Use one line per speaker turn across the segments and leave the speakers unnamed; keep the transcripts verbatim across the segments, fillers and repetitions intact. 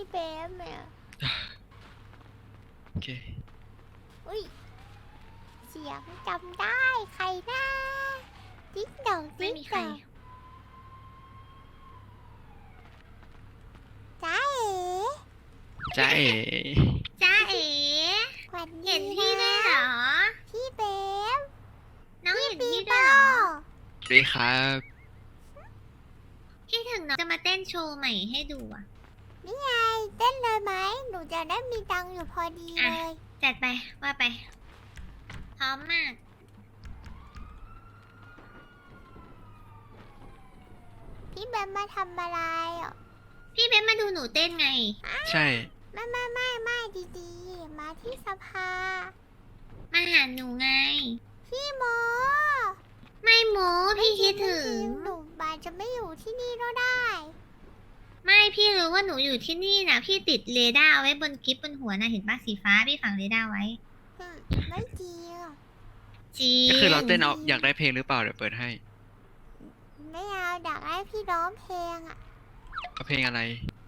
พี่เป๊มเนี่ย
โอเค
อุ้ยเสียงจำได้ใครนะติ๊กดอก
ไม่
ติ๊ก
มี
ด
ใคร
อกจ้าเอ๋
จ้าเอ๋
จ้าเอ๋
สวัสดี
เห็นพี่ได้วยเหรอ
พี่เป๊ม
น้องเห็น
ปี
พี่
โป้
ด้วยเหรอ
สวัสดีครับ
พี่ถึงน้องจะมาเต้นโชว์ใหม่ให้ดูอ่ะ
นี่ไงเต้นเลยไหมหนูจะได้มีตังค์อยู่พอดีเลย
จัดไปว่าไป พร้อมมาก
พี่เบมมาทำอะไรอ่ะ
พี่เบนมาดูหนูเต้นไง
ใช่
ไม่ไม่ไม่ไม่ดีๆ มาที่สภา
มาหาหนูไง
พี่โม
ไม่โม้พี่คิดถึง
หนูบานจะไม่อยู่ที่นี่ก็ได้
ไม่พี่รู้ว่าหนูอยู่ที่นี่นะพี่ติดเรดาร์เอาไว้บนกิฟบนหัวนะเห็นปะสีฟ้าพี่ฝังเรดาร์ไว้
อืมไม่จริงอะ
จริง
ก็คือเราเต้นเอาอยากได้เพลงหรือเปล่าเดี๋ยวเปิดให้
ไม่เอาอยากให้พี่ร้องเพลงอ่ะ
เอาเพลงอะไร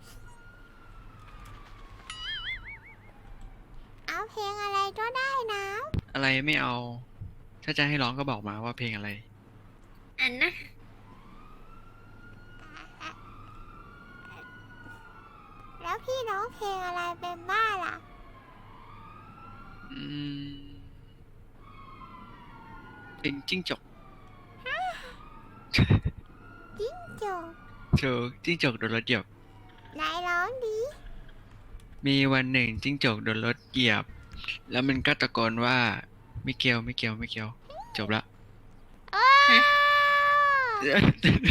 เอาเพลงอะไรก็ได้นะ
อะไรไม่เอา ถ้าจะให้ร้องก็บอกมาว่าเพลงอะไร
อันนะ
แล้วพี่ร้องเพลงอะไรเป็นบ้างล่ะ
อืมเป็นจิ้งจก
จิ้งจก
เจอจิ้งจกโดนรถเหยียบ
นายร้องดี
มีวันหนึ่งจิ้งจกโดนรถเหยียบ แล้วมันก็ตะโกนว่าไม่เกี่ยวไม่เกี่ยวไม่เกี่ยว จบละ
โอ้าวไม่เอาอ่ะมันเป็น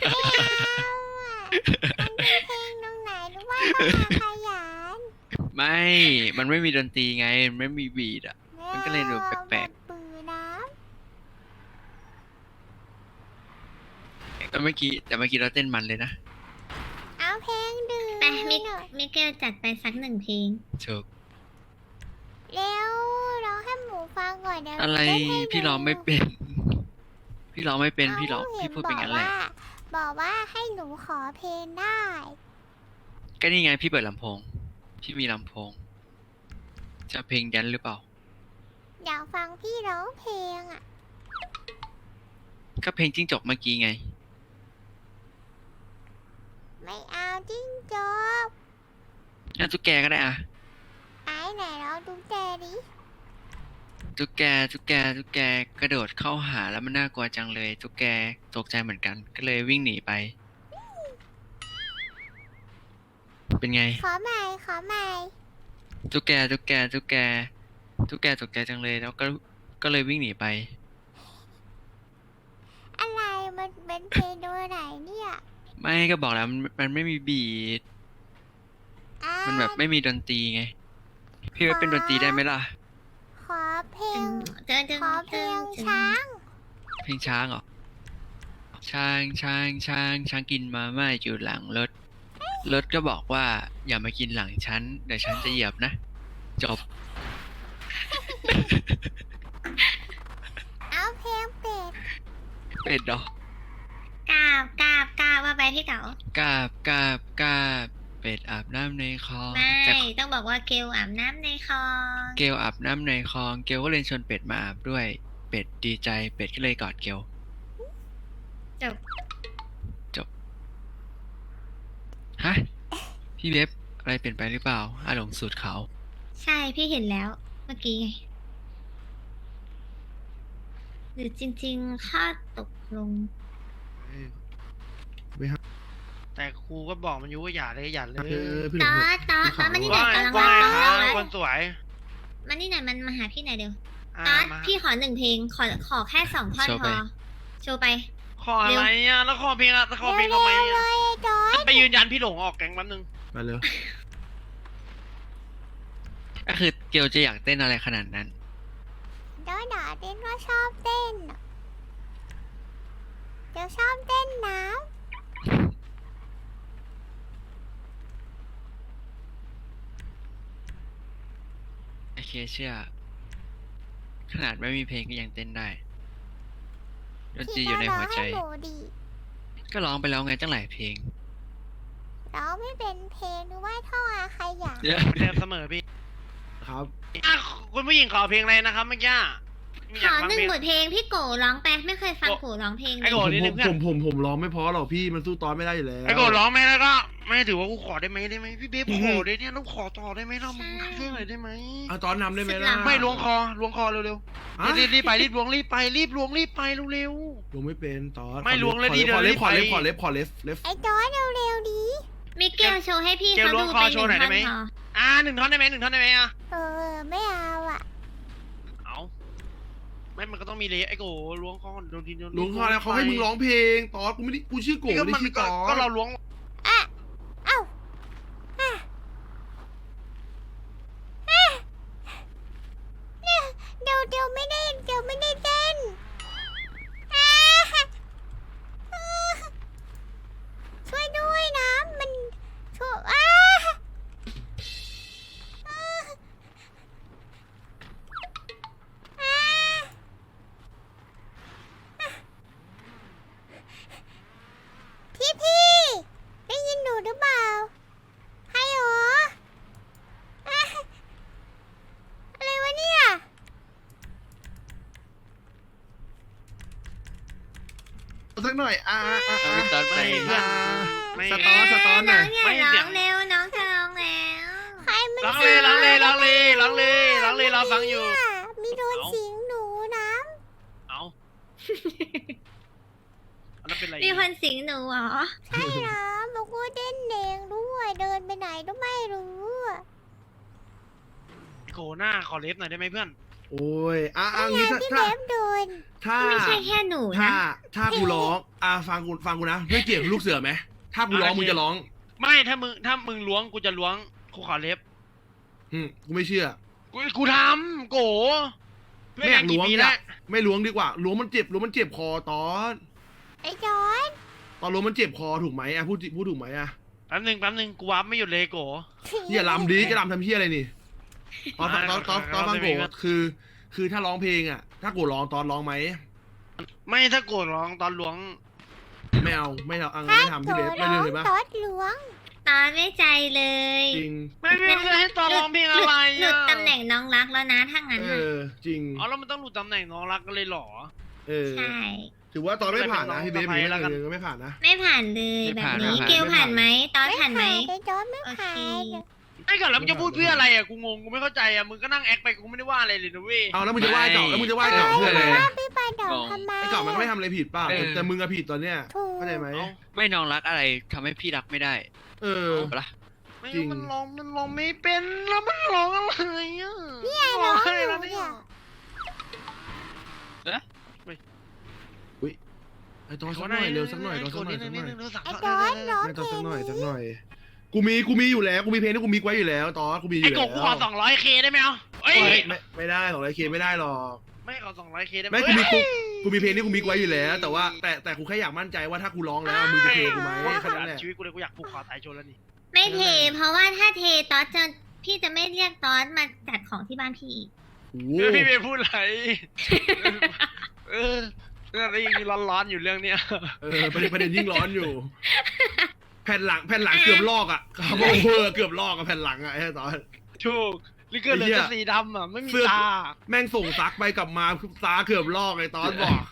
เพลงตรงไหนหรือว่าต้องมาขยัน
ไม่ มันไม่มีดนตรีไง มันไม่มีบีทอ่ะ มันก็เลยดูแปลก
ๆปืนน้
แต่เมื่อกี้แต่เมื่อกี้เราเต้นมันเลยนะ
ำเอาเพลงดื่ม
ไปมิ
หน่อย
มิเกลจัดไปสักหนึ่งเพลง
ถูก
เร็วร้องให้หมูฟังก่อนเดี๋ยวหนู
อะไร
เต้นให้
พี่ร้องไม่
ดู
เป็น พี่ร้องไม่เป็น พี่ร้อง
า
พี่พูดเป็น
ห็
งั้นแหละ
บอกว่าบอกว่าให้หนูขอเพลงได้
ก็นี่ไงพี่เปิดลำโพง พี่มีลำโพง จะเพลงแดนซ์หรือเปล่า
อยากฟังพี่ร้องเพลงอ่ะ
ก็เพลงจิ้งจกเมื่อกี้ไง
ไม่เอาจิ้งจก
งั้นตุ๊กแกก็ได้อะ
ไอ้ไหนเราดูแกดิ
ตุ๊กแกตุ๊กแกตุ๊กแกกระโดดเข้าหาแล้วมันน่ากลัวจังเลย ตุ๊กแกตกใจเหมือนกัน ก็เลยวิ่งหนีไป เป็นไง
ขอใหม่ขอใหม่
ตุ๊กแกตุ๊กแกตุ๊กแกตุ๊กแกตกใจจังเลย แล้วก็ก็เลยวิ่งหนีไป
อะไรมันเป็นเพลงตัวไหนเนี่ย
ไม่ก็บอกแล้วมันมันไม่มีบีท
อ่า
มันแบบไม่มีดนตรีไง พี่ว่าเป็นดนตรีได้ไหมล่ะ
ขอเพลง
เดินเดิน
ขอเพล
เดิน
ง
เดิน
ช้าง
เพลงช้างเหรอ ช้างช้างช้างช้างกินมาม่าอยู่หลังรถ รถก็บอกว่าอย่ามากินหลังฉันเดี๋ยวฉันจะเหยียบนะ จบ
เอาเพลงเป็ด
เป็ดเหรอก
ราบกราบกราบว่าไปพี่เก๋าก
ราบกราบกราบเป็ดอาบน้ำในคลอง
ไม่
แต่
ต้องบอกว่าเกลอาบน้ำในคลอง
เกลอาบน้ำในคลอง เกลก็เลยชวนเป็ดมาอาบด้วย เป็ดดีใจ เป็ดก็เลยกอดเกล
จบ
ฮะ พี่เว็บอะไรเปลี่ยนไปหรือเปล่าอาหลงสูตรเขาว
ใช่พี่เห็นแล้ว เมื่อกี้ไง หรือจริงๆข้าตกลง
แต่ครูก็บอกมันอยู่ว่าอย่าเลยอย่าเลย
เออพี่ห
ต
ล
อง
เถ
ด
อะ
ตอดตอดมานี่หน่
ว่า
อยกำลัง
ว่า
รับ
ค
น้
รั
อบ ง
คนสวย
มานี่หน่อยมันมาหาพี่หน่อยเดียว
อ่า
ตอด
มา
พี่ขอหนึ่งเพลง ขอขอแค่สองท่อนพอ โชว์ไป
ขออะไรอ่ะแล้วขอเพลงอะแล้วขอเพลงทำไม
เร็วๆเล
อ่ะ
ยจอย
ไปยืนยันพี่หลงออกแก๊งแป๊บนึง
มาเร็ว
ก็คือเกลจะอยากเต้นอะไรขนาดนั้น
เดี๋ยวหนาเต้นก็ชอบเต้นอะเดี๋ยวชอบเต้นน้
โอเคเชื่อ ขนาดไม่มีเพลงก็ยังเต้นได้ ด
ำ
นตรี
พี่
อยู่ใน
ก็ร้อ
หั
ง
วใจ
ให้หนูดิ
ก็ร้องไปแล้วไงตั้งหลายเพลง
ร้องไม่เป็นเพลงหรือว่าท่ออาขยะ
เดี๋ยว
เดิมเสมอพี่
ครับ
อ่ะคุณผู้หญิงขอเพลงอะไรนะครับเมื่อกี้ไม่
ข
ยาก
อ
ฟัง
หนึ่ง
เพลง
บทเพลงพี่โกร้องไปไม่เคยฟัง
โก
โกร้องเพลงเล
ไอ้
ย
โก
ผม
นิด
ผ
นึ
ม
งเพื่อน
ผมผมผมร้องไม่เพอหรอกพี่มันสู้ตอนไม่ได้อยู่แล้ว
ไอ้โกร้องไหมแล้วก็ไม่ถือว่ากูขอได้ไหมได้ไหมพี่เบ๊บขอได้เนี่ยต้องขอต่อได้ไหมเรามึงช่วยหน่อยได้ไหม
เอาตอนนำได้ไหมล่ะ
ไม่ล้วงคอล้วงคอเร็ว
อ่ะ
ๆรีบรีบไปรีบล้วงรีบไปรีบล้วงรีบไปเร็ว
ล้วงไม่เป็นตอน
ไม่ล้วงเลย
ขอ
ดี
ขอ
เดี๋
เล็
ยว
บขอเล็บ
รีบ
ขอ
ไป
เล็บขอเล็บไฟ
ไอ้จอยเร็วๆดี
มิเกลโชว์ให้พี่
เกล
เขา
ล้ว
ดู
งคอ
เป็นห
โช
นึ่
ว์
ง
หน่อยได้
ท่อน
ไหม
พอ
ๆอ่าหนึ่งท่อนได้ไหมหนึ่งท่อนได้ไหมอ่ะ
เออไม่เอาอ่ะ
เอาไม่มันก็ต้องมีเลยไอ้โกล้วงคอโดนทีโดน
ล้วงคอแล้วเขาให้มึงร้องเพลงตอนกูไม่ได้กูชื่อโก
นี่ก็
ไม่
มั
ได้
น
ชื่อ
ก็
ตอน
ก็เราล้วง
อ่ะเอ้าอ่ะอ่ะเนี่ยเดี๋ยวเดี๋ยวไม่ได้เดี๋ยวไม่ได้เต้นอ่ะอ่ะช่วยด้วยนะมันช่วยอ่ะอ่ะอ่ะพี่พี่ได้ยินหนูหรือเปล่าใครหรออ่ะอะไรวะเนี่ย
สักหน่อยอ่าอ่าอ่า
เอาตอนไป
เพื่อนไม่
สตอร์สตอร์หน่อย
น้องอย่า
ไม่
ร้
เสี
อย ง
ง
เร็วน้องจะร้องแล้ว
ใครมัน
ร้องเลยร้องเลยร้องเลยร้องเลยร้องเลยเราฟังอยู่
เนี่ยมีโดน
เอา
สิงหนูนะ
เอาอันนั้นเป็นไร
มีคนสิงหนูเหรอ
ใช่นะบอกว่าเต้นเองด้วยเดินไปไหนก็ไม่รู้อะ
โกหน้าขอเล็บหน่อยได้ไหมเพื่อน
โอ้ยอ่าอ่า
ไง
งี้ถ้า
ที่
ถ้า
เล็บโดน
ถ้า
ไม่ใช่แค่หนู
ถ้า
นะ
ถ้ากูร้องอ่าฟังกูฟังกูนะไม่เกี่ยวกับลูกเสือไหมถ้ากูร้อง
อ่ะโอเค
มึงจะร้อง
ไม่ถ้ามึงถ้ามึงล้วงกูจะล้วงกูขอเล็บ
อืมกูไม่เชื่อ
กูกูทำโก
ไม่อยากล้วง
ปี
อ
แล้
ยาว กไม่ล้วงดีกว่าล้วงมันเจ็บล้วงมันเจ็บคอตอน
ไอ้จอน
ตอนล้วงมันเจ็บคอถูกไหมอ่ะพูดพูดถูกไหมอ่ะ
แป๊บหนึงแป๊บหนึงกูวับไม่หยุดเลยโก
อย่าลำดีจะลำทำเพี้ยอะไรนี่ตอนตอนตอนตอนตอนฟังโก
ครับ
คือ คือถ้าร้องเพลงอ่ะ ถ้าโกร้องตอนร้องไหม
ไม่ถ้าโกร้องตอนล้วง
ไม่เอาไม่เอาอัง
ถ้า
ไม่ทำ
โถ
พี่เบฟไม่
ร้
เล
อย ง
เห็นปะ
ตอดหลวง
ตอนไม่ใจเลย
จริง
ไม่ไม่ไม่ให้ตอนร้องเพลงอะไร
หลุ
อ่ะ
ดตำแหน่งน้องรักแล้วนะถ้างั้น
เอ
น่ะ
อจริง
อ๋อแล้วมันต้องหลุดตำแหน่งน้องรักกันเลยเหรอ
เออ
ใช่
ถือว่าตอนไม่ผ่านนะพี่เบฟ
ไม่
พี่
เป็นไร
เบ
แล้วกัน
ฟไม่ผ่านนะ
ไม่ผ่านเลย
ไม่
แบบ
ผ่าน
นี้
ไม่ผ่าน
เกลผ่านไหมตอนผ่านไหม
ไอ้จอนไม่
โอ
ผ่า
เค
น
ไอ้ก่อนแล้วมึงจะพูดเพื่ออะไรอ่ะกูงงกูไม่เข้าใจอ่ะมึงก็นั่งแอคไปกูไม่ได้ว่าอะไรเลยนะเว้ย
เอาแล้วมึงจะไหว้เก่าแล้วมึงจะไหว้เก่า
ไม่
เพื่ออะไร
ว่าพี่ปาดอกทำไม
ไอ้เก่ามันก็ไม่ทำอะไรผิดเปล่า
เออ
แต่มึงอะผิดตอนเนี้ย
ถูก
เข้าใจไหม
เอา
ไม่น้องรักอะไรทำให้พี่รักไม่ได้
เออ
เอาปะล่ะ
ไม่
จริง
มันร้องมันร้องไม่เป็นแล้วมันร้องอะไรอ่ะ
นี่ไงร้อง
ให้
อยู่
แล้ว
เนี่
เนี่ย ย
ไอ้ตอนสักหน่อยเร็วสักหน่อยตอนสักหน่อยสักหน่อย
ไอ้จอนร้อง
ไม่
เพ
ตอน
ล
สัก
ง
หน่อยสักห
นี้
น่อย กูมีกูมีอยู่แล้วกูมีเพลงที่กูมีไว้อยู่แล้วตอนกูมีอ
ไอ้
ยู่
โก
แล้ว
กูขอสองร้อยเคได้ไหมเอาเอ้ย
ไม่ไม่ไม่ได้ของไรเคไม่ได้หรอก
ไม่ขอสองร้อยเคได้ไหม
ไม่กูมี
เอ้ย
กูมีเพลงที่กูมีไว้อยู่แล้ว แต่ว่าแต่แต่กูแค่อยากมั่นใจว่าถ้ากูร้องแล้วมึงจะเทกูไหมแค่นั้นแหละ
ชีวิตกูเลยกูอยากผูกคอตายโชว์แล้วนี่
ไม่เท เพราะว่าถ้าเทตอนจะพี่จะไม่เรียกตอนมาจัดของที่บ้านพี่อีก
โอ้
เออพี่เมย์พูดอะไรเออเรื่องนี้ยังร้อนๆอยู่เรื่องเนี้ย
เออประเด็นประเด็นยิ่งร้อนอยู่ แผ่นหลังแผ่นหลังเกือบลอกอ่ะคาร์บอนเวอร์เกือบลอกอะแผ่นหลังอ่ะไอ้ตอน
ถูกลิเกอร์เหลือ
ไอ้เหี้ย
แต่สีดำอ่ะไม่มี
เสื้อ
ตา
แม่งส่งซักไปกลับมาตาเกือบลอกไอ้ตอนบอก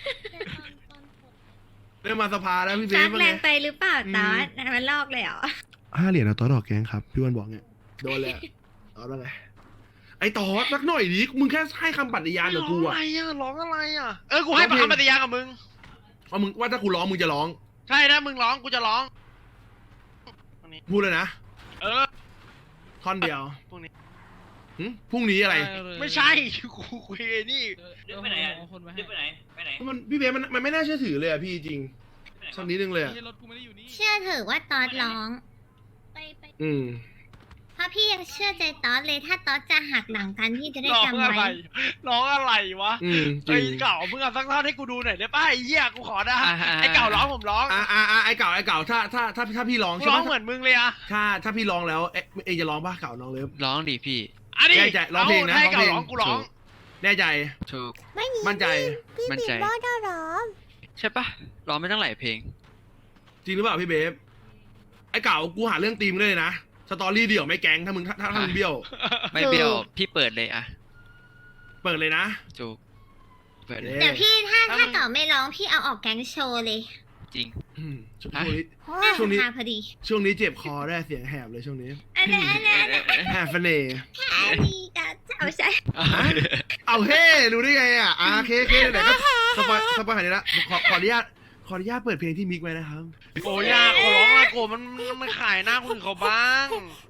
เริ่มมาสภาแล้วพี่เบ
ซั
ฟ
ก
ว่า
แร
ไง
งไปหรือเปล่าตอนมันลอกเลยเหรอ
ห้าเหรียญเอาตอนออกแกงครับพี่วันบอกเนี่ยโดนเลยตอนว่าไงไอ้ตอนสักหน่อยดิมึงแค่ให้คำปฏิญาณกับกู
ร้อง
อ่ะ
อะไรอ่ะร้องอะไรอ่ะเออกูให้
ร้องเพลง
คำปฏิญาณกับมึง
ว่ามึงว่าถ้ากูร้องมึงจะร้อง
ใช่ถ้ามึงร้องกูจะร้อง
พูดเลยนะ
เออ
ท่อนเดียว
พวกนี้
หึพรุ่งนี้อะไร
ไม่ใช่กูคุยไอ้นี่
เดินไปไหนอ่ะเดินไปไหน ไปไหน
มันพี่เบฟมันมันไม่น่าเชื่อถือเลยอะพี่จริงสักนิดนึงเลยอะ
เชื่อเถอะว่าตอนร้อง
อืม
เพราะพี่ยังเชื่อใจตอนเลยถ้าตอนจะหักหลังกันพี่จะได้
ร้อง
จำ
อะไร
ไว้
ร้องอะไรวะ
อืมจ
ไอ้
ริง
เก่ามึงเอาสักท่อนให้กูดูหน่อยได้ป่ะไอ้เหี้ยกูขอนะ
อ่าอ่า
ไอ้เก่าร้องผมร้อง
อ่าอ่าอ่าไอ้เก่าไอ้เก่าถ้าถ้าถ้าถ้าพี่ร้อง
กู
ใช่
ร้อง
ปะ
เหมือนมึงเลยอะ
ถ้าถ้าพี่ร้องแล้วเอ๊ะเองจะร้องป่ะเก่าน้องเลิฟ
ร้องดิพี่
อันนี้
แน่ใจร้องเพลงนะ
าให้เก่า
ร้
ร้
อ
อง ง
เพลง
กูร้อง
แน่ใจ
ถูก
ไม่มี
มั่นใจ
พี่
มั่น
บี
ใจ
บร้องตลอด
ใช่ปะร้องไม่ตั้งหลายเพลง
จริงหรือเปล่าพี่เบฟไอ้เก่ากูหาเรื่องตีมงเลยนะสตอรี่เดี่ยวไม่แก๊งถ้ามึงถ้าถ้าถ้ามึงเบี้ยว
ไม่เบี้ยวพี่เปิดเลยอะ
เปิดเลยนะ
จูกเปิดเลย
เดี๋ยวพี่ถ้า
ถ้า
ถ้า
มึง
เก่าไม่ร้องพี่เอาออกแก๊งโชว์เลย
จริง
อืมช่วง
ฮะ
นี้
น่า
ช่วงนี้
สภาพอดี
ช่วงนี้เจ็บคอได้เสียงแหบเลยช่วงนี้
อันนี้อันนี้อันนี้
แหบเสน่ห์
อันนี้ก็เอาใช่
เอาเฮ้รู้ได้ไงอ่ะอ่าเคเคไหนก็สปอยสปอยหายนี้ละขอขออนุญาตขออนุญาตเปิดเพลงที่มิกไว้นะครับ
โกยากขอร้องละโกมันมันมันขายหน้าคนอื่นเขาบ้าง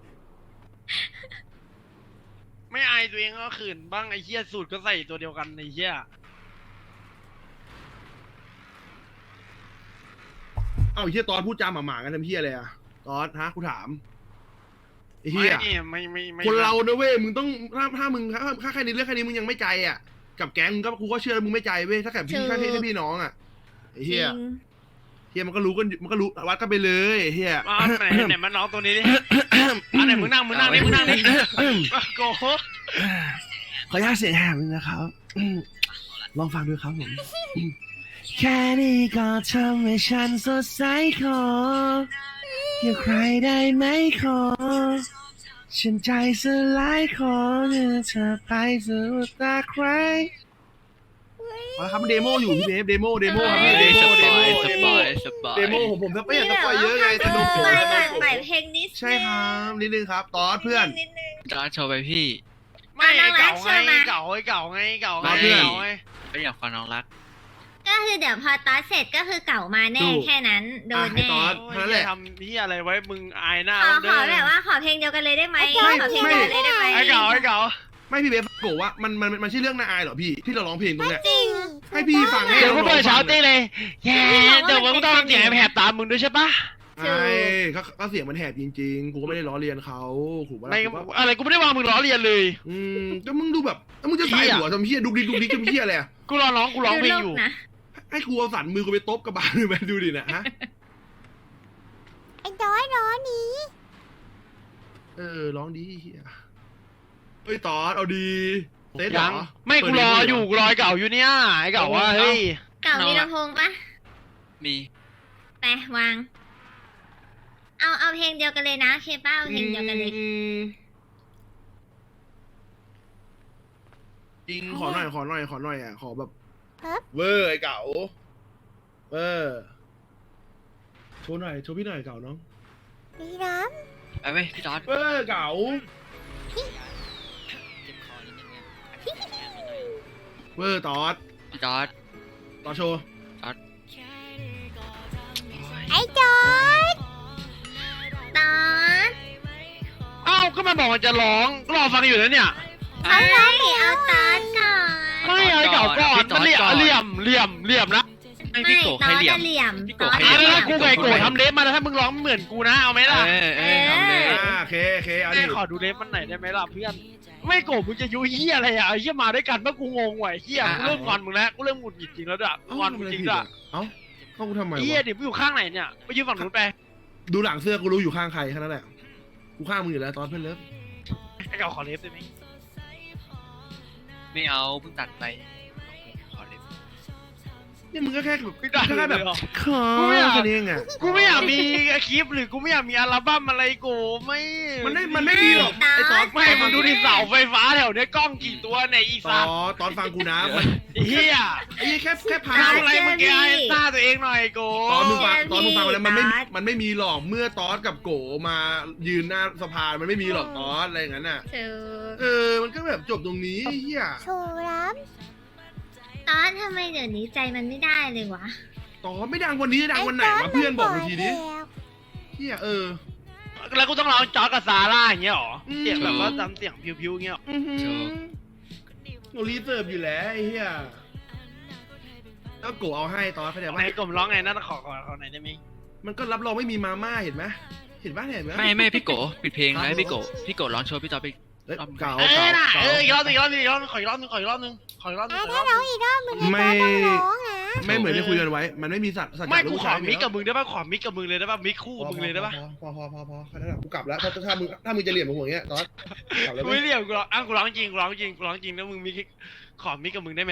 ไม่อายตัวเองก็ขืนบ้างไอ้เหี้ยสูตรก็ใส่ตัวเดียวกันไอ้เหี้ย
เอ้าไอ้เฮียตอนพูดจาหมาๆกันทำเฮียอะไรอ่ะตอนฮะกูถามไอ้เฮี
ไม่
ย
นี่ไม่ไม่ไม่
คนเราเนอะเว้ยมึงต้องถ้าถ้ามึงถ้าถ้าแค่นี้เรื่องแค่นี้มึงยังไม่ใจอ่ะกับแก๊งมึงก็กูก็เชื่อแล้วมึงไม่ใจเว้ยถ้าแค่พี่แค่พี่แค่พี่น้องอ่ะไอ้
จ
เฮี
ริ
ย
ง
เฮียมันก็รู้กันมันก็รู้วัดกันไปเลยไอ้เฮีย
มาไหนไหนมาน้องตัวนี้ดิอันไหนมึงนั่งมึงนั่งดิมึงนั่งดิโก
ขออนุญาตเสียงแหบนึงนะครับอืมลองฟังดูครับผมอืมแค่นี้ก็ทำให้ฉันสดใสขออย่าใครได้ไหมขอฉันใจสลายขอเมื่อเธอไปสู่ตาใครเอาละครับมันเดโมอยู่พี่เบฟเดโมเดโมครับพี่เดโม
ส
เด
ป
โม
อยส
เด
ป
โม
อยสปอย
เดโมผมผมไม่อยากสปอยเยอะไงสนุก
เอ
ผม
อ
ส
ให
นุ
ม่
กผม
ใหม่เพลงนิดนึง
ใช่ครับนิดนึงครับตอสเพื่อน
นิดนึง
จอร์จโชว์ไปพี่
ไม่ไอ้เก่า
เอาน้องรัก
ไง
เชื่อมา
เก่าไอ้เก่าไงเก่าไง
มาเพื่อน
เก่าไง
ไม่อยากฟังน้องรัก
ก็คือเดี๋ยวพอตอสเสร็จก็คือเก่ามาแน่
ถูก
แค่นั้นโดน
อ่ะให้
แน่
ตอส
โอ้ย
เท่านั้นแหละ
ทำนี่อะไรไว้มึงอายหน้า
ขอ
มัน
ข
เด้
อ
อ
แบบว่าขอเพลงเดียวกันเลยได้ไหม
ไม่
ขอเพลง
ไม่
เดียวกันเลยได้ไหม
ไอ้เก่าไอ้เก่า
ไม่พี่เบฟโกว่ามันมันมันใช่เรื่องน่าอายเหรอพี่ที่เราร้องเพลงตรงเนี้ย
จริง
ให้พี่ฟังให้
เดี๋ยว
น้
กู
องๆ
เปิดเช้า
ฟัง
ตี
หน่อย
เลยแย่เดี๋ยวมึงต้องทำเสียงแหบตามมึงด้วยใช่ปะ
ใช่เขาเขาเสียงมันแหบจริงๆ กูก็ไม่ได้ล้อเลียนเขาถูกปะ
ใน
ล่ะถูกปะ
อะไรกูไม่ได้วางมึงล้อเลียนเลย
อืมก็มึงดูแบบแล้วมึงจะใส่หัวทำเพี้ยดุกดิกดุกดิกทำเพี้ยอะไรอ่ะ
กูรอร้องกูร้องเพลงอยู่
ดูโลกนะ
ให้กูเอาสันมือกูไปตบกระบาลเลยไหมดูดินะฮะ
ไอ้น้อยน้อยนี้
เออร้องดีเฮียเฮ้ยตอดเอาดีเต้นเหร
ยั
อง
ไม่กูรออยู่กูรอไอ้เก่าอยู่เนี่ยไอ้เก่าว่าเฮ้ย
เก่ามีลำโพงปะ
มี
ไปวาง เอาเอาเพลงเดียวกันเลยนะเคป้าเอาเพลงเดียวกันเลย
อืมจริงขอหน่อยขอหน่อยขอหน่อยอ่ะขอแบบ
ครับ
เวอร์ไอ้เก๋าเวอร์โชว์หน่อยโชว์พี่หน่อยเก๋าน้อง
ดีน้
ไปไหมพี่จอร์จ
เวอร์เก๋าเวอร์ตอด
พี่จอร์จ
ตอดโชว์
ำไอ้จอด
ตอน
เอ้าก็มันบอกมันจะร้องรอฟังอยู่แล้วเนี่ย
เอาเลยเอาตอนก่อน
ไม่เอาไอ้เก่าก่อนมันเหลี่ยมเหลี่ยมเหลี่ยมเหลี่ยมนะ
ไม่พี่โกะ
ต
ใคร
อน
เหลี่ยม
เหลี่ยม
พี่
ต
โกะ
อน
ใคร
อ่ะ
เหลี่ยม
แล้วกูไก่โกรธทำเล็บมาแล้วถ้ามึงร้องเหมือนกูนะเอาไหมล่ะ
เออเออทำเลย
อ่าโอเคโอเคเอาดิ
แม่ขอดูเล็บมันหน่อยได้ไหมล่ะเพื่อนไม่โกรธมึงจะยุเฮียอะไรอ่ะไอ้เฮียมาด้วยกันเมื่อกูงงว่ะไอ้เฮียกูเริ่มงอนมึงแล้วกูเริ่มหงุดหงิดจริงแล้วด้วย
เอ้าง
อนมึงจริงด้วย
เอ้าเข้ากูทำไม
ไอ้เฮียว
ะ
เดี๋ยวมึงอยู่ข้างไหนเนี่ยไปยืนฝั่งนู้นไป
ดูหลังเสื้อกูรู้อยู่ข้างใครแค่นั้นแหละกูข้างมึงอยู่แล้วตอนเพื่อนเลิฟ
ไอ้เก่าขอเล็บได้ไหม
ไม่เอาเพิ่งตัดไปขอเล็บ
เนี่ยมึงก็แค่แบบ
ไม่ได้
แค่แบบ
เลยเหรอ
ขอ
กูไม่อยาก
แค่นี้เองอ่ะ
กูไม่อยากมีคลิปหรือกูไม่อยากมีอัลบั้มอะไรกูไม่
มันไม่มันไม่ดีหรอกไอ้ตอน
ไม่มึงดูดิเสาไฟฟ้าแถวเนี้ยกล้องกี่ตัวในยอี
ต
สา
อนตอนฟังกูนะมัน
เฮีย
ไอ้แค่แค่พา
ทำอะไรมึงแกไอ้หน้าตัวเองหน่อยกู
ตอนมึงฟังตอนมึงฟังแล้วมันไม่มันไม่มีหรอกเมื่อตอนกับโกมายืนหน้าสะพานมันไม่มีหรอกตอนอะไรอย่างนั้นน่ะ
เธอ
เออมันก็แบบจบตรงนี้เฮีย
โชว์น้
ตอนทำไมเดี๋ยวนี้ใจมันไม่ได้เลยวะ
ตอนไม่ดังวันนี้
ำ
ดัง
ไอ้
วันไหน
จอด
วะเพื่อนบอกกูทีดิ
มันแล้ว
เฮียเออ
แล้วกูต้องร้องจอร์จกับซาร่าอย่างเงี้ยหรอ
อืม
เสียงแบบว่าจำเสียงพิวๆอย่างเงี้ยหรอ
อื้อหือโนรีเสิร์ฟอยู่แล้วไอ้เฮียแล้วโกเอาให้ตอนเขาใจ
ไหน
ปะ
กลมร้องไงนั่นขอขอขอไหนอยได้ไหม
มันก็รับรองไม่มีมาม่าเห็นไหมเห็นปะเห็นไหม
ไม่ไม่พี่โกะปิดเพลงแล้วให้พี่โกะพี่โกะร้องโชว์พี่จอร์จไป
เอ้ยเก่า
เอ
เก่า
อน่ะ
เก่า
เอออีกรอบหนึงอีกรอบหนึงอีกรอบหนึงขออีกรอบหนึงขออีกรอบหนึงขออีกรอบหนึง
อ่ะ
ขออีกร
ถ้า
อบห
ร้
นึ
อง งอีกรอบมึงไอ้
ไม่
จอดต้องร้องนะ
ไม่เหมือนที่คุยกันไว้ มันไม่มีสัตว์สัตว์
ไม่
ลู
กู
ก
ขอ
ชาย
มิกกับมึงได้ป่ะขอมิกกับมึงเลยได้ป่ะมิกคู่
พอ
มึงเลยได้ป่ะ
พอพอพอพอแค่นั้นแหละกูกลับแล้วถ้าถ้ามึงถ้ามึงจะเหลี่ยมกับหัวอย่างเงี้ยตอนกลับแล้ว
กู
ไหม
ไม่เรียกกูร้องอ่ะกูร้องจริงกูร้องจริงกูร้องจริงแล้วมึงมิกขอมิกกับมึงได้ไหมล่ะ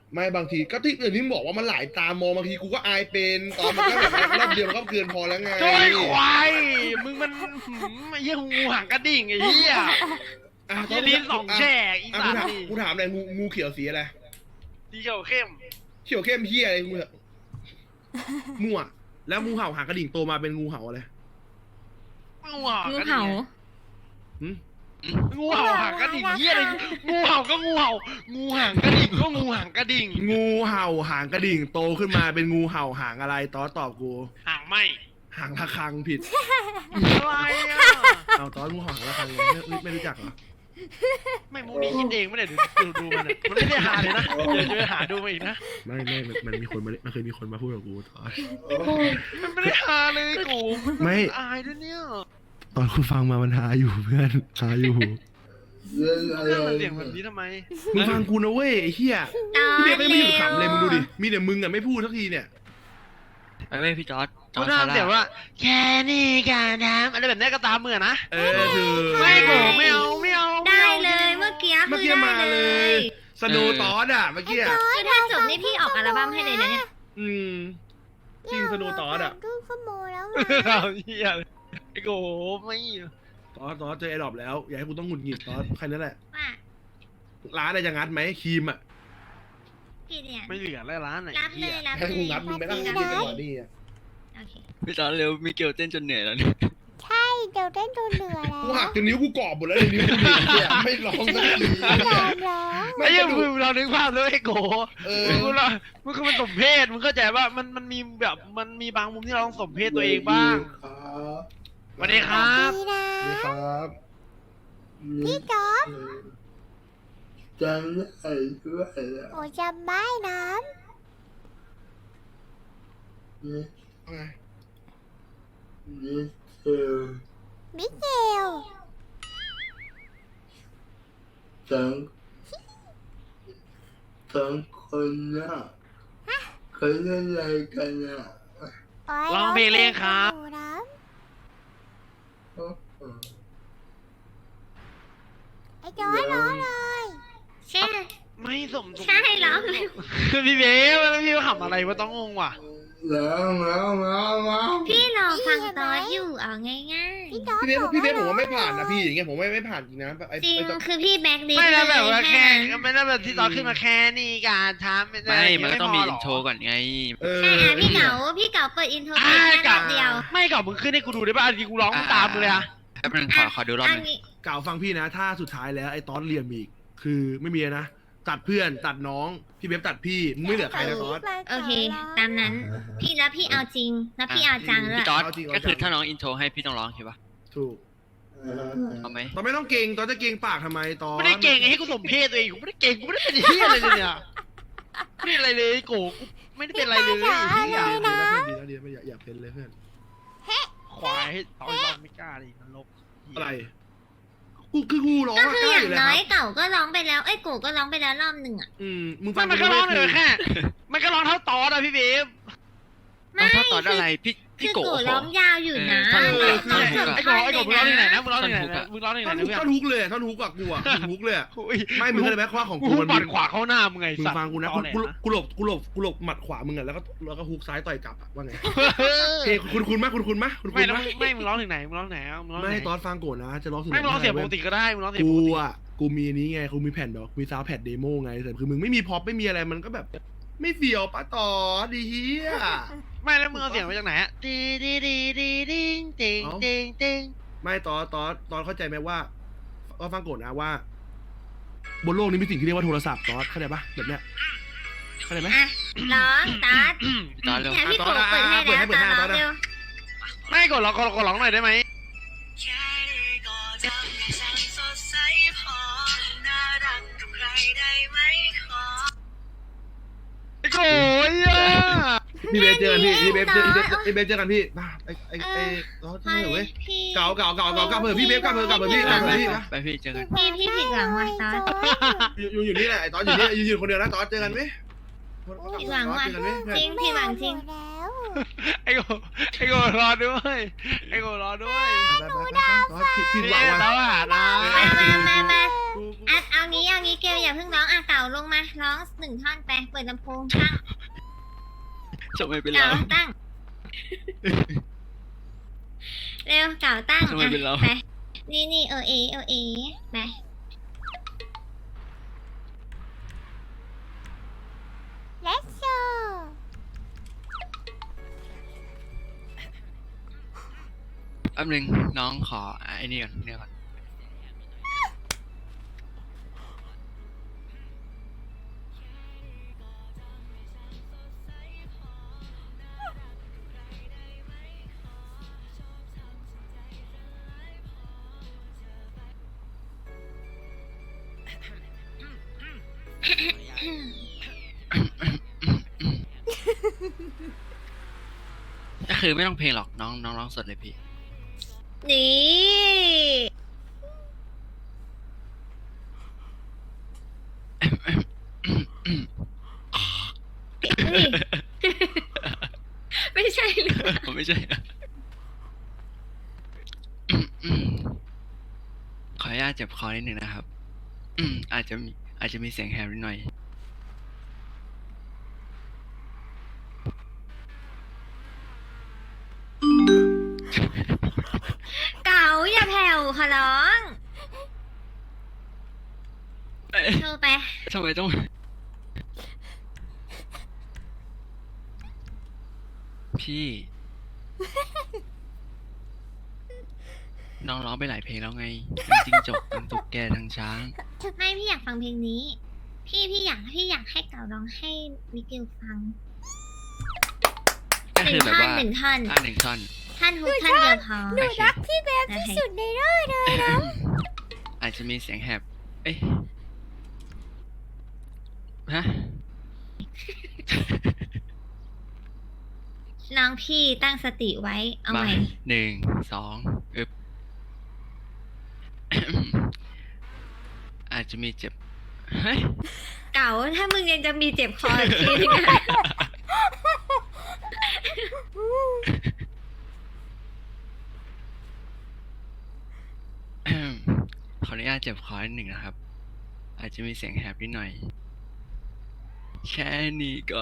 ไม่บางทีก็ที่อย่างที่บอกว่ามันหลายตามองบางทีกูก็อายเป็นตอนมันก็แบบรอบเดียวมันก็เกินพอแล้วไง
โจ้ยควายมึงมันหืมไอ้เหี้ยงูหางกระดิ่งไอ้เหี้ย
อ่ะ
ยีลิ้นสองแฉกอี
อ่ะ
สั
กู
ต
ถาม
ว์นี่
กูถามเลยงูงูเขียวสีอะไร
สีเขียวเข้ม
เขียวเข้มเฮียอะไรงูเหรอมั่วแล้วงูเห่าหางกระดิ่งโตมาเป็นงูเห่าอะไร
งูเห่า
งู
กระดิ่
เห่าง
หืม
งูเห่าหางกระดิ่งเหี้ยอะไรงูเห่าก็งูเห่างูหางกระดิ่งก็งูหางกระดิ่ง
งูเห่าหางกระดิ่งโตขึ้นมาเป็นงูเห่าหางอะไรตอสตอบกู
หางไหม
หางระฆังผิด
อะไรอ่ะ
เอาตอสงูเห่าหางระฆังเลยไม่ไม่ไม่รู้จักเหรอ
ไม่มูนี่คิดเองไม่ได้ดูดูดูมันอะมันไม่ได้หาเลยนะเดี๋ยวจะไปหาดูมาอีกนะ
ไม่ไม่มันมันมีคนมามันเคยมีคนมาพูดกับกูตอน
มันไม่ได้หาเลยกู
ไม่
อายด้วยเนี่ย
ตอนคุณฟังมามันหาอยู่เพื่อนหาอยู่
เรื่องเสียงแบบนี้ทำไม
มึงฟังกูนะเว้ยไอ้เฮีย
ตอน
พี่เบสก็ไม่หยุดขำเลยมึงดูดิ
ร็ว
มีแต่มึงอ่ะไม่พูดสักทีเนี่ย
ไปเว้ยพี่จอร์ดจอ
กู
ร์ดซา
ทำเสียง
ร่า
ว่าแค่นี้การทำอะไรแบบนี้ก็ตามมือนะ
เออคือ
ไม่โกไม่เอาไม่เอาม่
ได้
อา
เลยเมื่อกี้
เมื่อ
คือ
กี้
ได้
มา
เล
เลย ย สโนว์ตอสอ่ะเมื่อกี้อะ
คือถ้าจบนี่พี่ออกอัลบั้มให้เลยนะเนี่ย
อืมจริงสโนว์ตอสอ่ะ
ครึ่งชั่วโมงแล้วไง
เอาเหี้ยเลยไอ้โกไม่
ตอสตอสเจอไอ้ดรอปแล้ว อย่าให้กูต้องหงุดหงิดตอสแค่นั้นแหละ
ว่า
ร้านอะไรจะงัดไหมครีมอ่ะ
พี่เนี่ย
ไม่เหลือแล้วร้านไหน
รับเล
เหี้ย
ยรับ
ให้
เล
กู
ย
งัดมึงไม่ต้อง
รับ
งัด
เล
จัง
ย
หวะนี้อ่ะ
โอเค
พี่จอร์ดเร็วมิเกลเต้นจนเหนื่อยแล้วเนี่ย
ใช่เดี๋ยวเต้นจนเหนื่อยแล้ว
กูหักจนนิ้วกูกรอบหมดแล้วเลยนิ้วกูหนีเนี่ยไม่ร้องสักที
ไม่ย
เนี่
อย มร้อง
ไม่
ไอ้
ก
เหี้ย
ระดู
มึ
ก
งเรานึกภาพเลยไอ้โก
เออ
มึงเรามึงคือมันสมเพศมึงเข้าใจว่ามันมันมีแบบมันมีบางมุมที่เราต้องสมเพศตัวเองบ้างสวัสดีครับ
ดีนะ
นี่ครับ
พี่จ๊อบ
จำได้ด้วย
โอ้จำไม่นะ มิเกล
ทั้งทั้งคนน่ะเขาเล่นอะไรกันอ่ะ
โย
ร้องเพลงเรียกครับ
หนูนะ
โอ้โห
ไอ้จอยร้องเลย
ใช่
ไม่สมสม
ใช่ร้องเลย
พี่เบสแล้วพี่มาขำอะไรวะต้องงงว่ะ
แล้วแล้วแล้วแล้ว
พี่รอฟังตอนอยู่เอาง่าย
พี่จ๊อบ
พี่เบส
บอก
พี่เบส
ว่า
ผมว่าไม่ผ่านนะพี่อย่างเงี้ยผมไม่ไม่ผ่านจริงนะไอ้
ๆจริง
ไอ้ต
คือพี่แบ็คลิส
ไม่
ต์เล
แล้ว
ย
แบบว่าแค่
นั้น
ไม่ได้แบบที่ตอนขึ้นมาแค่นี้การทำไม่ได้
ไม่มันก็ต้องมี
พห
อินโทรก่อนไง
เออ
ใช่อ่ะพี่เก๋าพี่เก๋าเปิดอินโทรเพล
อ่าง
แค่
กั
รอบเดียว
ไม่กับมึงขึ้นให้กูดูได้ป่ะอันนี้กูร้อง
อ่า
ตามมึงเลยอะ
แป๊บนึงขอขอดูรอบห
อัน
นึง
นี้
กล่าวฟังพี่นะ ถ้าสุดท้ายแล้วไอ้ตอนเรียมอีก คือไม่มีนะ ตัดเพื่อนตัดน้อง พี่เบฟตัดพี่มึงไม่เหลือใครนะตอน
โอเค ตามนั้น พี่แล้วพี่เอาจริง แล้วพี่เอาจังด้วย
พี่จอร์ด
เอาจริงเอา
ก็คือ
จัง
ถ้าน้องอินโทรให้พี่ต้องร้องใช่ปะ
ถูก
เอาไหม
ตอนไม่ต้องเก่งตอนจะเก่งปากทำไมตอน
ไม่ได้เก่งไอ้ให้กูสมเพศตัวเองกูไม่ได้เก่งกูไม่ได้เป็นเฮียอะไรเลยเนี่ยไม่ได้อะไรเลยโกกูไม่ได้เป็นอะไรเลย
พี่
เฮี
จ๋าอะไร
ย
นะ
ดีนะดีนะไม่อยากอยากเป็นเลยเพื่อน
ควายให้ตอนร้องไม่กล้าเลยนรกเหี้ย
อะไร กูคือกูร้อง
ก็
อะ
คือก อ
ล้าอยู่
ย่าง
แล้ว
น้
ค
อย
รับ
เก่าก็ร้องไปแล้ว เอ้ยโกก็ร้องไปแล้วรอบหนึ่งอ่ะ
อืมมึงฟั
ไม่
ง
มันก็ร้องเลย
คือ
แค่ มันก็ร้องเท่าตอนอะพี่เบฟ
ไม่
เอาถ้าตอนอะไรพี่
คื
พี่
อ
โก
โกร้องยาวอยู่นะ
เออ
แบบ
ท่อนฮุกอะ
ไอ้โกไอ้โกมึงร้องที่ไหนนะมึงร้องที่ไหนนะมึงร้องที่ไหน
ท่อน
นะ
ฮุก
เพื่อน
ท่อนฮุกเลยท่อนฮุกอะกูอะท่อนฮุกเลยอะ
อุ้ย
ไม่มึงเข้าใจไหมว่าของ
กู
กูมัน
ปั
มี
ดขวาเข้าหน้ามึงไง
มึง
สัตว์
ฟังกูนะ
ต
กู
อแหล
กูกูหลบกูหลบกูหลบหมัดขวามึงอะแล้วก็แล้วก็ฮุกซ้ายต่อยกลับอะว่าไงเฮ้ยคุณคุณมากคุณคุณมากคุณคุ
ไม่
ณ
แล้ว
มาก
ไม่มึงร้องถึงไหนมึงร้องไหนมึงร้องไหน
ไม่ตอนฟังโกรธนะ จะร้องถึง
ไม่มึงร้องเสียงป
ว้
กติก็ได้มึงร้องเสียงป
กู
กติ
อะกูมีนี้ไงกูมีแผ่นแบบมีซาวด์แพดเดโมไงแต่คือมึงไม่มีพ็อปไม่มีอะไรมันก็แบบ ไม่เฟียวปะต่อดีเฮีย
ไม่แล้วมึงเอาเสียงมาจากไหนอะดีดีดีดีดิงติงติงติง
ไม่ตอนตอนตอนเข้าใจไหมว่าว่าฟังโกรธนะว่า บนโลกนี้มีสิ่งที่เรียกว่าโทรศัพท์ตอนเข้าใจปะแบบเนี้ยเข้าใจไหม
อ่ะร้องตัด
พี่จอร์ดเร็ว
เนี่ยพี่โก
อ่ะ
เปิดให้
เปิดให้
แล้ว
เปิดให้
ตาร้อง
เปิดให้
เร็ว
ไม่กดร้องกดกดร้องหน่อยได้ไหมไอ้โง่อะ
พี่เบสเจอกันพี่พี่เบสเจอพี่เบสพี่เบสเจอกันพี่มาไอไอไอร้องทำไมเหรอเว้ย
พี่
เก่าเก่าเก่าเก่าเก่าเผื่อพี่เบสกลับเผื่อกลับเผื่อพี่กลับเผื่อพี่นะ
ไปพี่เจอกัน
พี่พี่ผิดหวังว่ะตอน
อยู่อยู่อยู่นี่แหละไอตอนอยู่นี่อยู่อยู่คนเดียวนะตอนเจอกันไหม
ผิดหวังว่ะ
เจอกันไหม
จริงผิดหวังจริง
แล้ว
ไอ้โกไอ้โกรอด้วยไอ้โกรอด้วย
ไปไปไปไปผิดผิดหวัง
แล้
ว่ะ
วอ่ะนะ
มามามามาอ่ะเอางี้เอางี้เกลอย่าเพิ่งร้องอ่ะเก่าลงมาร้องหนึ่งท่อนไปเปิดลำโพงตั้ง
จะไม่เป็น
เก่า
เรา
ตั้งเร็วเก่าตั้ง
ทำไมเป็นเรา
อ่ะไปนี่นี่เออเอเออเอไป
Let's go
แป๊บนึงน้องขอไอ้นี่ก่อนเนี่ยก่อนก็คือไม่ต้องเพลงหรอกน้องน้องร้องสดเลยพี่
นี่เฮ้ยไม่ใช่หรือเปล่า
ผมไม่ใช่นะขออนุญาตเจ็บคอนิดหนึ่งนะครับ อืมอาจจะมีอาจจะมีเสียงแหบนิดหน่อย
เก่าอย่าแผ่วขอร้อง
เอ้ย
โทรไป
ทำไมต้อง พี่ น้องร้องไปหลายเพลงแล้วไงทั้งจิ้งจกทั้งตุ๊กแกทั้งช้าง
ไม่พี่อยากฟังเพลงนี้ พี่พี่อยากพี่อยากให้เก่าร้องให้มิเกลฟัง
ก็
ห
คื
นึ่
อง แบบ
ท่อน
ว่า
หนึ่งท่อน
อ่าหนึ่งท่อน
ท่านฮุกท่านเดียวพอ
หนูรักพี่เบฟที่สุดในโลกเลยนะ
อาจจะมีเสียงแหบ เอ้ยฮะ
น้องพี่ตั้งสติไว้ เอา
มา
ใหม่
หนึ่งสองอึบ อาจจะมีเจ็บ เฮ้ย
เก่าถ้ามึงยังจะมีเจ็บคออีกทีนึงอะ
ขออนุญาตเจ็บคอนิดหนึ่งนะครับ อาจจะมีเสียงแหบนิดหน่อย แค่นี้ก่อน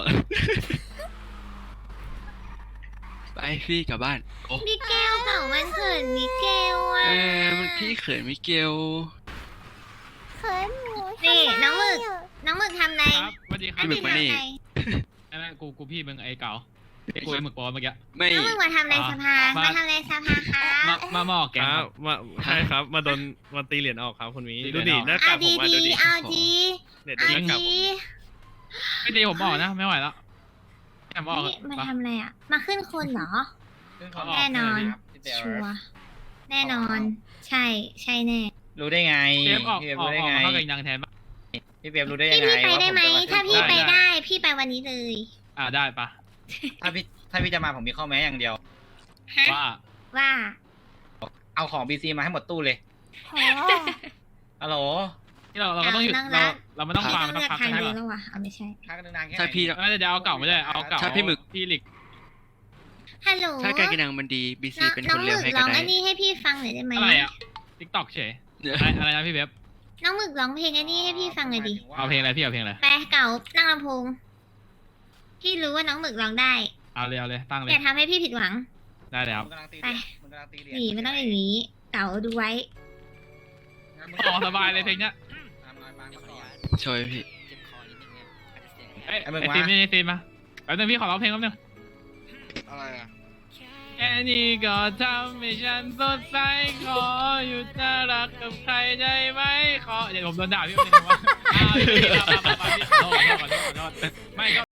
ไปพี่กลับบ้าน โอ้
มิเกลเก่ามันเขินมิเกล
เอ
อ่ะ
อมันพี่เขินมิเกล
เขินหมู
นี่
ทำไม
น้องหมึก
อะ
น้องหมึกทำไร
ครับสวัสดีครับ
พี่หมึกมานี่
ไอ้นั่นกูกูพี่มึงไอ้เก่าไอ้กูไอ้หมึกปอเมื่อกี้
ไม่
น้องหมึกมาทำอะไรสภา
มา
มาทำอะไรสภาครั
มา
บ
มามาออกแก
ค
ง
รั
ครับ บ
มาใช่ครับ มาโดนมาตีเหรียญออกครับคุณมี
ตีเหรี
ดู
ยญ
ดิ
ออก
หน้า
เอา
กากผมมา
ดี
ดูดิ
ๆเอาดี
เนี่ยดู
เอา
หน้ากาก
ดี
ผม
ไม่ตีผมออกนะไม่ไหวแล้วแอมออก
นี่มาทำอะไรอ่ะ มาขึ้นคนเหรอ แน่นอน ชัวร์แน่นอน ใช่ ใช่แน่
รู้ได้ไง
เกมออก
พี่เบ
อ
ฟ
อก
รู้ได้
ออก
ไง
มาเข้ากับยังแทนปะ
พี่เบฟรู้ได้
พี่
ยังไง
พี่ไปได้ไหม
ว่ผจะ
ถ้าพี่ไป
ขึ้น
ได้ พี่ไปวันนี้เลย
อ่าได้ปะ
ถ้าพี่ถ้าพี่จะมาผมมีข้อแม้อย่างเดียว
ฮะ
ว่า
ว่า
เอาของบีซีมาให้หมดตู้เลย
โห
ฮัลโหล
ที่เราเราก็ต้องหยุด
เอานั่ง
เรา
ร้าน
เราไม่ต้อง
พี่
ฟัง
ต้อง
ไม่ต้
เลื
อ
อง ก
พัก
ทาง
กันให้
เดียว
ปะ
แล้วว่ะเอาไม่ใช่
พักนานๆแค่
ถ้าพี่
ไหน
เดี๋ยวเอาเก่าไม่ได้เอาเก่า
ถ้าพี่หมึก
พี่หลิก
ฮัลโหล
ถ้าการกินนังมันดีบีซี
น้อง
เป็น
น้
ค
อง
น
ห
เลี้
มึ
ยง
ก
ให้
ร้
ก็
อง
ได้
อันนี้ให้พี่ฟังหน่อยได้ไหม
อะไรอ่ะทิกตอกเฉยอะไรอะไรนะพี่เว็บ
น้องหมึกร้องเพลงอันนี้ให้พี่ฟังหน่อยดิ
เอาเพลงอะไรพี่เอาเพลงอะไร
ไปเก่านั่งลำโพง พี่รู้ว่าน้องหมึกร้องได้
เอาเลยเอาเลยตั้งเล
อย ย่าทำให้พี่ผิดหวัง
ได้แล้ว
มึงกำลังตี
ไป
เหรียญมึงกำลังตีเหรียญ
หนีไม่ต้องอย่างนี้ เก่าดูไว้
อ๋อสบายเลยเพลงเนี้ย
ตามรอยบางมาก่อน
ช่วยพี่
เอ้ย
ไอ้มึง
ไอ้
วะ
ซีมนี่ซีมมาแป๊บนึงพี่ขอร้องเพลงแป๊บนึง
อะไรอ่ะ
แค่นี้ก็ทำให้ฉันสดใสขออยู่น่ารักกับใครได้ไหมขอเดี๋ยวผมโดนด่าพี่คนนึงว่าอ้าวพี่พี่พี่พี่ขอโทษขอโทษขอโทษไม่ก็